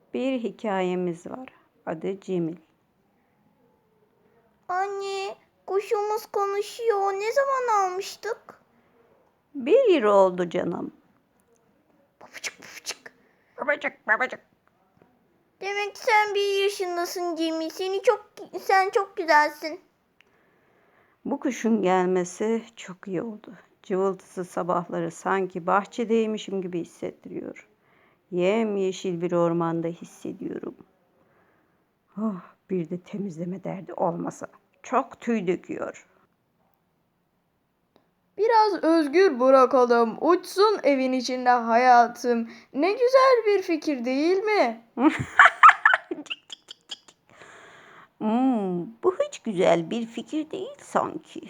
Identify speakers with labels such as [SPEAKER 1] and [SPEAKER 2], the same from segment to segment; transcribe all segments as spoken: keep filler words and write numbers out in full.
[SPEAKER 1] Bir hikayemiz var. Adı Cemil.
[SPEAKER 2] Anne, kuşumuz konuşuyor. Ne zaman almıştık?
[SPEAKER 1] Bir yıl oldu canım.
[SPEAKER 2] Babacık babacık.
[SPEAKER 1] Babacık babacık.
[SPEAKER 2] Demek sen bir yaşındasın Cemil. Seni çok, sen çok güzelsin.
[SPEAKER 1] Bu kuşun gelmesi çok iyi oldu. Cıvıltısı sabahları sanki bahçedeymişim gibi hissettiriyor. Yemyeşil bir ormanda hissediyorum. Oh, bir de temizleme derdi olmasa. Çok tüy döküyor.
[SPEAKER 3] Biraz özgür bırakalım, uçsun evin içinde hayatım. Ne güzel bir fikir değil mi?
[SPEAKER 1] Hmm, bu hiç güzel bir fikir değil sanki.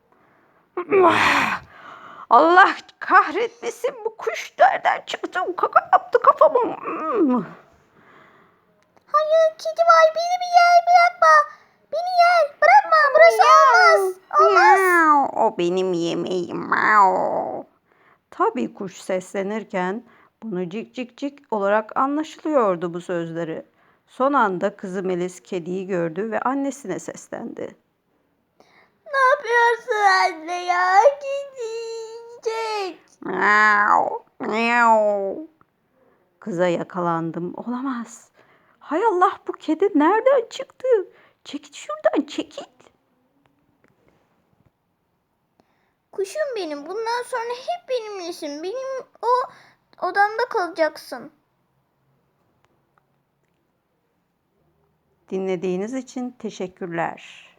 [SPEAKER 1] Allah kahretmesin, bu kuş nereden çıktı? Kaka yaptı kafamı. Hmm.
[SPEAKER 2] Hayır, kedi var. Beni bir yer bırakma. Beni yer. Bırakma. Burası olmaz. Olmaz.
[SPEAKER 1] O benim yemeğim. Miau. Tabii kuş seslenirken bunu cik cik cik olarak anlaşılıyordu bu sözleri. Son anda kızı Melis kediyi gördü ve annesine seslendi.
[SPEAKER 2] Ne yapıyorsun anne ya? Gidecek.
[SPEAKER 1] Miau, miau. Kıza yakalandım. Olamaz. Hay Allah, bu kedi nereden çıktı? Çekil şuradan, çekil.
[SPEAKER 2] Kuşum benim. Bundan sonra hep benimlesin. Benim o odamda kalacaksın.
[SPEAKER 1] Dinlediğiniz için teşekkürler.